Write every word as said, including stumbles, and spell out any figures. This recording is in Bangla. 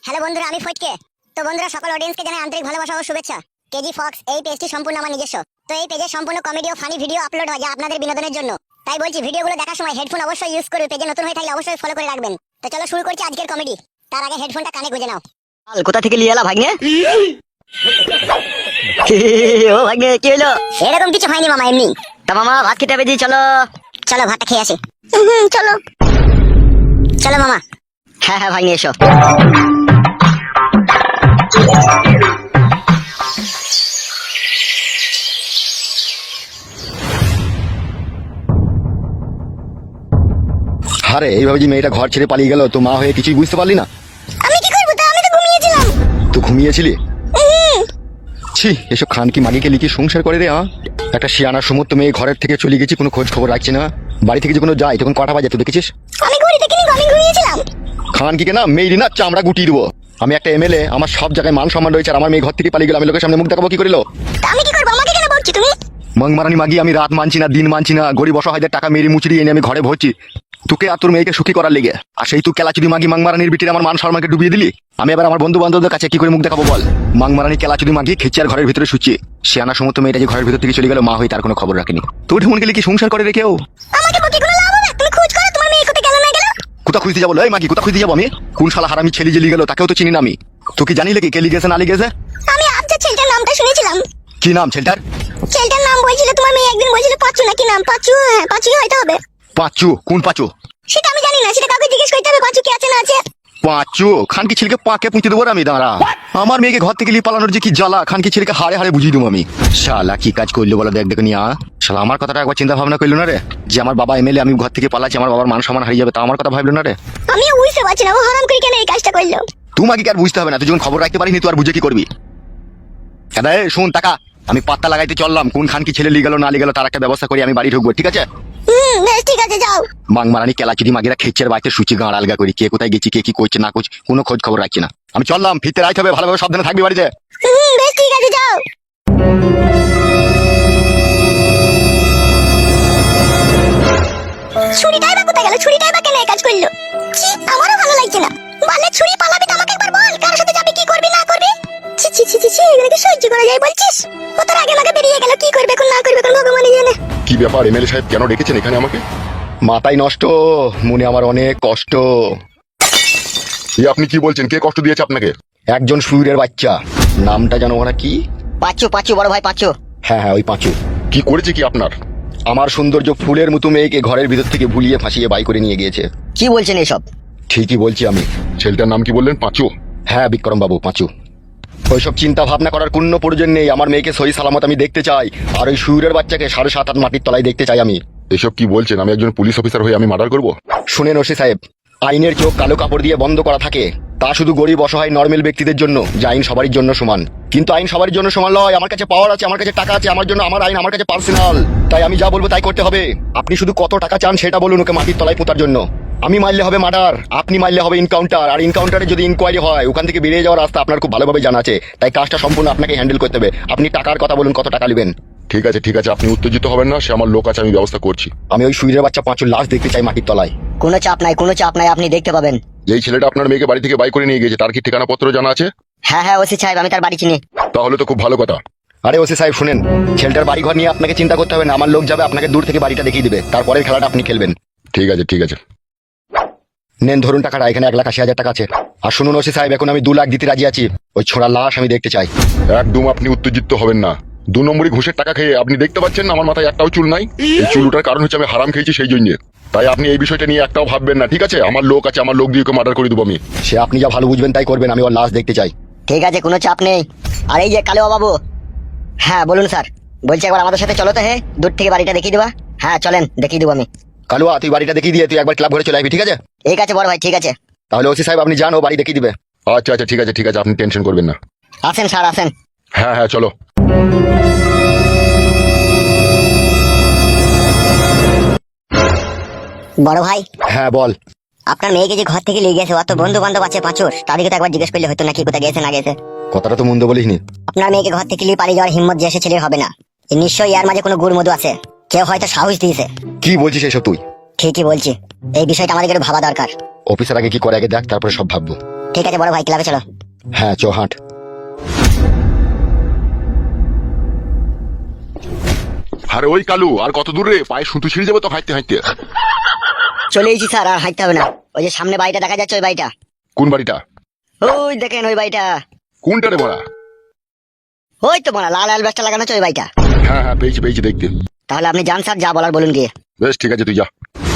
হ্যালো বন্ধুরা, আমি ফটকে। তো বন্ধুরা, সকল অডিয়েন্সকে জানাই আন্তরিক ভালোবাসা ও শুভেচ্ছা। কেজি ফক্স এই পেজটি সম্পূর্ণ আমার নিজস্ব। তো এই পেজে সম্পূর্ণ কমেডি ও ফানি ভিডিও আপলোড হয় যা আপনাদের বিনোদনের জন্য। তাই বলছি, ভিডিওগুলো দেখার সময় হেডফোন অবশ্যই ইউজ করবে। পেজে নতুন হয়ে থাকলে অবশ্যই ফলো করে রাখবেন। তো চলো শুরু করছি আজকের কমেডি। তার আগে হেডফোনটা কানে গুঁজে নাও। আল কোথা থেকে লিয়ে এলা ভাগ্নে? ও ভাগ্নে, কি হলো? এরকম কিছু হয়নি মামা, এমনি। তা মামা ভাত খেতে হবে, চলো চলো ভাতটা খেয়ে আসি। চলো চলো মামা। হ্যাঁ হ্যাঁ ভাগ্নে, এসো। আরে এইভাবে যে মেয়েটা ঘর ছেড়ে পালিয়ে গেল, তো মা হয়ে কিছুই বুঝতে পারলি না? আমি কি করব? তা আমি তো ঘুমিয়েছিলাম। তুই ঘুমিয়েছিলি? ছি, এসব খান কি মাগিকে লিখে সংসার করে রে। হ্যাঁ, একটা শিয়ানা সমস্ত মেয়ে ঘরের থেকে চলে গেছি, কোনো খোঁজ খবর রাখছি না। বাড়ি থেকে যখন যাই তখন কটা বাজে তুই দেখেছিস? আমি ঘড়ি দেখিনি, আমি ঘুমিয়েছিলাম। খান কি না মেয়েরি না চামড়া গুটিয়ে দেবো। আমি একটা এমএলএ, আমার সব জায়গায় মান সম্মান রয়েছে, আর আমার মেয়ে ঘর থেকে পালিয়ে গেল, আমি লোকের সামনে মুখ দেখাবো কি করিল? তা আমি কি করব? আমাকে কেন বলছি তুমি? মংমারানি মাগি, আমি রাত মানছি না, দিন মানছি না, গরিব অসহায়দের টাকা মেরি মুচড়ি এনে আমি ঘরে ভরছি তোকে আর তোর মেয়েকে সুখী করার লেগে। আর সেই তুই কেলাচুদি মাগি মাংমারানির বিটির আমার মান সম্মানকে ডুবিয়ে দিলি। আমি এবার আমার বন্ধু বান্ধবদের কাছে কি করে মুখ দেখাবো বল? মাংমারানি কেলাচুদি মাগি খেচে আর ঘরের ভিতরে শুচ্ছি। শিয়ানা সমস্ত মেয়েটা যে ঘরের ভিতর থেকে চলে গেল, মা হয়ে তার কোনো খবর রাখেনি। তোর ঢেমন গেলে কি সংসার করে রেখেও? আমাকে বকি কোনো লাভ হবে? তুমি খোঁজ করো তোমার মেয়ে কোথায় গেল না গেল। কোথা খুঁজতে যাবো? এই মাগি, কোথা খুঁজতে যাবো আমি? কোন শালা হারামি ছেলে জেলি গেল, তাকেও তো চিনি না আমি। তুই কি জানি নাকি কে লিগেছে না লিগেছে? আমি আবজা ছেলেটার নামটা শুনেছিলাম। কি নাম ছেলেটার? ছেলেটার নাম বলছিল তোমার মেয়ে, একদিন বলছিল পাঁচু নাকি নাম। পাঁচু, হ্যাঁ পাঁচুই হয়তো হবে। পাঁচু? কোন পাঁচু? সেটা আমি জানি না, সেটা কাউকে জিজ্ঞেস করতে হবে পাঁচু কি আছে না আছে। পাঁচু? খানকি ছেলেকে পাকে পুঁতে দেবো আমি, দাঁড়া। আমার মেয়েকে ঘর থেকে লিয়ে পালানোর যে কি জ্বালা, খানকি ছেলেকে হাড়ে হাড়ে বুঝিয়ে দেবো আমি। শালা কি কাজ করলো বলো দেখ দেখে নিয়া। শালা আমার কথাটা একবার চিন্তা ভাবনা করলো না রে, যে আমার বাবা এমএলএ, আমি ঘর থেকে পালাচ্ছি, আমার বাবার মান সম্মান হারিয়ে যাবে, তা আমার কথা ভাবলো না রে। আমি বুঝতে পারছি না ও হারাম করে কেন এই কাজটা করলো। তোমাকে কি আর বুঝতে হবে না? তুই যখন খবর রাখতে পারিনি তুই আর বুঝে কি করবি? দাদা শোন টাকা, আমি পাত্তা লাগাইতে চললাম, কোন খানকি ছেলে লিয়ে গেল না লিয়ে গেল তার একটা ব্যবস্থা করি, আমি বাড়ি ঢুকবো, ঠিক আছে? হুম বেশ, ঠিক আছে যাও। মাংমারানি কেলাচুদি মাগিরা খেচ্ছের বাড়িতে সুচি গাঁড় আলগা করি, কে কোথায় গেছি, কে কি করছে না করছে, কোনো খোঁজ খবর রাখছি না। আমি চললাম, ফিরতে রাইতে হবে, ভালোভাবে সাবধানে থাকবি বাড়িতে। হুম বেশ, ঠিক আছে যাও। ছুরিটাই বা কোথায় গেল? ছুরিটাই বা কেন এই কাজ করলো? ছি, আমারও ভালো লাগছে না। বলে ছুরি পালাবি তো আমাকে একবার বল, কার সাথে যাবি, কি করবি না করবি। ছি ছি ছি ছি ছি, এগুলো কি সহ্য করা যায় বলছিস? ও তোর আগে আমাকে বেরিয়ে গেল, কি করবে কোন না করবে কোন ভগবানই জানে। কি ব্যাপার এমএলএ সাহেব, কেন ডেকেছেন এখানে আমাকে? মাথায় নষ্ট, মনে আমার অনেক কষ্ট। আপনি কি বলছেন? কে কষ্ট দিয়েছে আপনাকে? একজন সুরের বাচ্চা, নামটা জানো ওরা কি? পাঁচু পাঁচু, বড় ভাই পাঁচু। হ্যাঁ হ্যাঁ, ওই পাঁচু। কি করেছে কি আপনার? আমার সৌন্দর্য ফুলের মতো মেয়েকে ঘরের ভিতর থেকে ভুলিয়ে ফাঁসিয়ে বাই করে নিয়ে গিয়েছে। কি বলছেন এসব? ঠিকই বলছি আমি। ছেলেটার নাম কি বললেন? পাঁচু? হ্যাঁ বিক্রম বাবু, পাঁচু। ওইসব চিন্তা ভাবনা করার কোনো প্রয়োজন নেই, আমার মেয়েকে সহি সালামত আমি দেখতে চাই, আর ওই সুরের বাচ্চাকে সাড়ে সাত আট মাটির তলায় দেখতে চাই আমি। এসব কি বলছেন? আমি একজন পুলিশ অফিসার হয়ে আমি মার্ডার করব? শুনেন ওসি সাহেব, আইনের চোখ কালো কাপড় দিয়ে বন্ধ করা থাকে, তা শুধু গরিব অসহায় নর্মাল ব্যক্তিদের জন্য, যে আইন সবারই জন্য সমান। কিন্তু আইন সবার জন্য সমান নয়। আমার কাছে পাওয়ার আছে, আমার কাছে টাকা আছে, আমার জন্য আমার আইন আমার কাছে পার্সোনাল, তাই আমি যা বলবো তাই করতে হবে। আপনি শুধু কত টাকা চান সেটা বলুন ওকে মাটির তলায় পোতার জন্য। আমি মারলে হবে মার্ডার, আপনি মারলে হবে ইনকাউন্টার, আর ইনকাউন্টারে যদি ইনকোয়ারি হয় ওখান থেকে বেরিয়ে যাওয়ার রাস্তা আপনার খুব ভালোভাবে জানা আছে, তাই কাজটা সম্পূর্ণ আপনাকে হ্যান্ডেল করতে হবে। আপনি টাকার কথা বলুন, কত টাকা নেবেন? ঠিক আছে ঠিক আছে, আপনি উত্তেজিত হবেন না, সে আমার লোক আছে, আমি ব্যবস্থা করছি। আমি ওই সুইরের বাচ্চা পাঁচুর লাশ দেখতে চাই মাটির তলায়। কোনো চাপ নাই, কোনো চাপ নাই, আপনি দেখতে পাবেন। এই ছেলেটা আপনার মেয়েকে বাড়ি থেকে বাই করে নিয়ে গেছে, তার কি ঠিকানা পত্র জানা আছে? হ্যাঁ হ্যাঁ ওসি সাহেব, আমি তার বাড়ি চিনি। তাহলে তো খুব ভালো কথা। আরে ওসি সাহেব শুনেন, ছেলেটার বাড়ি ঘর নিয়ে আপনাকে চিন্তা করতে হবে না, আমার লোক যাবে, আপনাকে দূর থেকে বাড়িটা দেখিয়ে দিবে, তারপরের খেলাটা আপনি খেলবেন। ঠিক আছে ঠিক আছে, নেন ধরুন টাকাটা, এখানে এক লাখ আশি হাজার টাকা আছে। আর শুনুন ওসি সাহেব, এখন আমি দু লাখ দিতে রাজি আছি, ওই ছোড়ার লাশ আমি দেখতে চাই। একদম আপনি উত্তেজিত হবেন না, দু নম্বরই ঘুষের টাকা খেয়ে আপনি দেখতে পাচ্ছেন না আমার মাথায় একটাও চুল নাই। এই চুল ওঠার কারণ হচ্ছে আমি হারাম খেয়েছি সেই জন্য, তাই আপনি এই বিষয়টা নিয়ে একটাও ভাববেন না, ঠিক আছে? আমার লোক আছে, আমার লোক দিয়ে ওকে মার্ডার করে দেবো আমি। সে আপনি যা ভালো বুঝবেন তাই করবেন, আমি ওর লাশ দেখতে চাই। ঠিক আছে, কোনো চাপ নেই। আর এই যে কালো বাবু। হ্যাঁ বলুন স্যার। বলছি একবার আমাদের সাথে চলো তো। হ্যাঁ, দূর থেকে বাড়িটা দেখিয়ে দেবা। হ্যাঁ চলেন, দেখিয়ে দেবো আমি। কালুয়া, তুই বাড়িটা দেখিয়ে দিয়ে তুই একবার ক্লাব ঘরে চলে আসবি, ঠিক আছে? ঠিক আছে বড় ভাই, ঠিক আছে। তাহলে ওসি সাহেব আপনি যান, ও বাড়ি দেখিয়ে দিবে। আচ্ছা আচ্ছা ঠিক আছে ঠিক আছে, আপনি টেনশন করবেন না। আসেন স্যার আসেন। হ্যাঁ হ্যাঁ চলো। বড় ভাই, হ্যাঁ বল। আপনার মেয়েকে যে ঘর থেকে নিয়ে গেছে, অত বন্ধু বান্ধব আছে পাঁচুর, তাদেরকে তো একবার জিজ্ঞেস করলে হতো নাকি কোথায় গেছে না গেছে। কথাটা তো মন্দ বলিসনি। আপনার মেয়েকে ঘর থেকে নিয়ে পালিয়ে যাওয়ার হিম্মত যে এসে ছেলের হবে না, নিশ্চয়ই এর মাঝে কোনো গুড় মধু আছে, কেউ হয়তো সাহস দিয়েছে। কি বলছিস এসব তুই? ঠিকই বলছি, এই বিষয়টা আমাদের ভাবা দরকার। অফিসার আগে কি করে আগে দেখ, তারপরে সব ভাববো। ঠিক আছে বড় ভাই, ক্লাবে চলো। হ্যাঁ চ হাঁট। আরে ওই কালু, আর কত দূর রে? পায়ে সুতো ছিঁড়ে যাবে তো হাঁটতে হাঁটতে। চলে এসেছি স্যার, আর হাঁটতে হবে না। ওই যে সামনে বাড়িটা দেখা যাচ্ছে, ওই বাড়িটা। কোন বাড়িটা? ওই দেখেন ওই বাড়িটা। কোনটা রে বড়া? ওই তো মনে লাল লাল ব্যাসটা লাগানো আছে ওই বাড়িটা। হ্যাঁ হ্যাঁ পেয়েছি পেয়েছি দেখতে। তাহলে আপনি যান স্যার, যা বলার বলুন গিয়ে। বেশ ঠিক আছে, তুই যা।